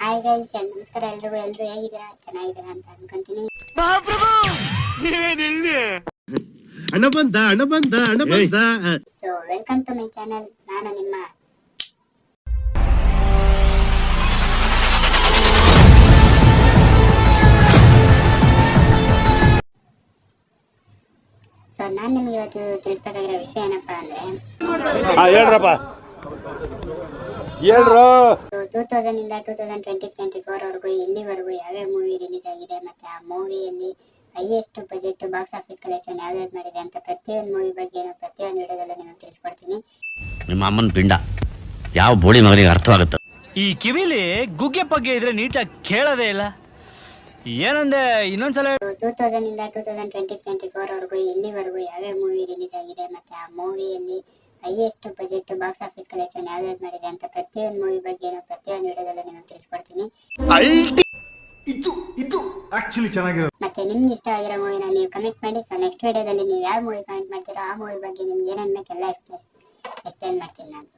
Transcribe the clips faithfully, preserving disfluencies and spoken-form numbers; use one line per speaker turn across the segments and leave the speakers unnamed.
Hi guys, ನಮಸ್ಕಾರ ಎಲ್ರಿಗೂ. ಎಲ್ರು ಹೇಗಿದ್ದೀರಾ? ಚೆನ್ನಾಗಿದ್ದೀರಾ ಅಂತ ಅನ್ಕೊಂತೀನಿ.
ಅಣ್ಣ ಬಂದ ಅಣ್ಣ ಬಂದ ಅಣ್ಣ ಬಂದ
so welcome to my channel. ನಾನು ನಿಮ್ಮ ಸೊ ನಾನ್ ನಿಮ್ಗೆ ಇವತ್ತು ತಿಳಿಸ್ಬೇಕಾಗಿರೋ ವಿಷಯ ಏನಪ್ಪಾ ಅಂದ್ರೆ
ಹೇಳ್ರಪ್ಪ ಹೇಳ್ರು
ಟೂ ತೌಸಂಡ್ ಇಂದ two thousand twenty twenty four ವರೆಗೂ ಇಲ್ಲಿವರೆಗೂ ಯಾವ್ಯಾವ ಮೂವಿ ರಿಲೀಸ್ ಆಗಿದೆ, ಮತ್ತೆ ಆ ಮೂವಿಯಲ್ಲಿ highest budget box office collection ಯಾವ್ದಾವ್ದು ಮಾಡಿದೆ ಅಂತ ಪ್ರತಿಯೊಂದು ಮೂವಿ ಬಗ್ಗೆ ಪ್ರತಿಯೊಂದು ವಿಡಿಯೋದಲ್ಲೂ ನಿಮಗೆ ತಿಳಿಸ್ಕೊಡ್ತೀನಿ.
ನಿಮ್ಮ ಅಮ್ಮನ ಪಿಂಡ ಯಾವ ಬೋಳಿ ಮಗನಿಗೆ ಅರ್ಥವಾಗುತ್ತೆ.
ಈ ಕಿವಿಲಿ ಗುಗ್ಗೆ ಪಗ್ಗೆ ಇದ್ರೆ ನೀಟಾಗಿ ಕೇಳೋದೇ ಇಲ್ಲ. ಏನಂದೆ ಇನ್ನೊಂದ್ಸಲ.
ಟೂ ತೌಸಂಡ್ ಇಂದ two thousand twenty twenty four ವರೆಗೂ ಇಲ್ಲಿವರೆಗೂ ಯಾವ್ಯಾವ ಮೂವಿ ರಿಲೀಸ್ ಆಗಿದೆ, ಮತ್ತೆ ಆ ಮೂವಿಯಲ್ಲಿ highest budget box office collection ಯಾವ್ದಾವ್ದು ಮಾಡಿದೆ ಅಂತ ಪ್ರತಿಯೊಂದು ಮೂವಿ ಬಗ್ಗೆ ಪ್ರತಿಯೊಂದು ವಿಡಿಯೋದಲ್ಲೂ ನಿಮಗೆ ತಿಳಿಸ್ಕೊಡ್ತೀನಿ.
ಇದು ಇದು ಆಕ್ಚುಲಿ ಚೆನ್ನಾಗಿರೋ.
ಮತ್ತೆ ನಿಮ್ಗೆ ಇಷ್ಟ ಆಗಿರೋ ಮೂವಿನ ನೀವು ಕಮೆಂಟ್ ಮಾಡಿ. ಸೊ ನೆಕ್ಸ್ಟ್ ವಿಡಿಯೋದಲ್ಲಿ ನೀವು ಯಾವ ಮೂವಿ ಕಮೆಂಟ್ ಮಾಡ್ತೀರೋ ಆ ಮೂವಿ ಬಗ್ಗೆ ನಿಮ್ಗೆ ಏನೇನು ಬೇಕು ಎಲ್ಲ ಎಕ್ಸ್ಪ್ಲೇನ್ ಮಾಡ್ತೀನಿ ನಾನು.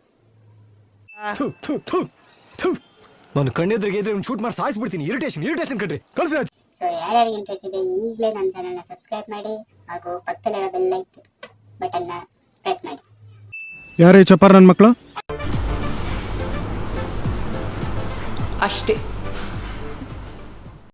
ನಾನು ಕಣ್ಣೆದ್ರಿಗೆ ಇದ್ರೆ ಒಂದು ಶೂಟ್ ಮಾಡಿ ಸಾಯಿಸ್ಬಿಡ್ತೀನಿ. ಇರಿಟೇಷನ್ ಇರಿಟೇಷನ್ ಕಣ್ರಿ ಕಳ್ಸಿ.
ಸೊ ಯಾರ್ಯಾರಿಗೆ ಇಂಟ್ರೆಸ್ಟ್ ಇದೆ ಈಗಲೇ ನನ್ನ ಚಾನಲ್ನ ಸಬ್ಸ್ಕ್ರೈಬ್ ಮಾಡಿ ಹಾಗೂ ಪಕ್ಕದಲ್ಲಿರೋ ಬೆಲ್ ಲೈಕ್ ಬಟನ್ನ ಪ್ರೆಸ್ ಮಾಡಿ.
ಯಾರೇ ಚಪ್ಪಾರ ನನ್ನ ಮಕ್ಕಳು
ಅಷ್ಟೇ.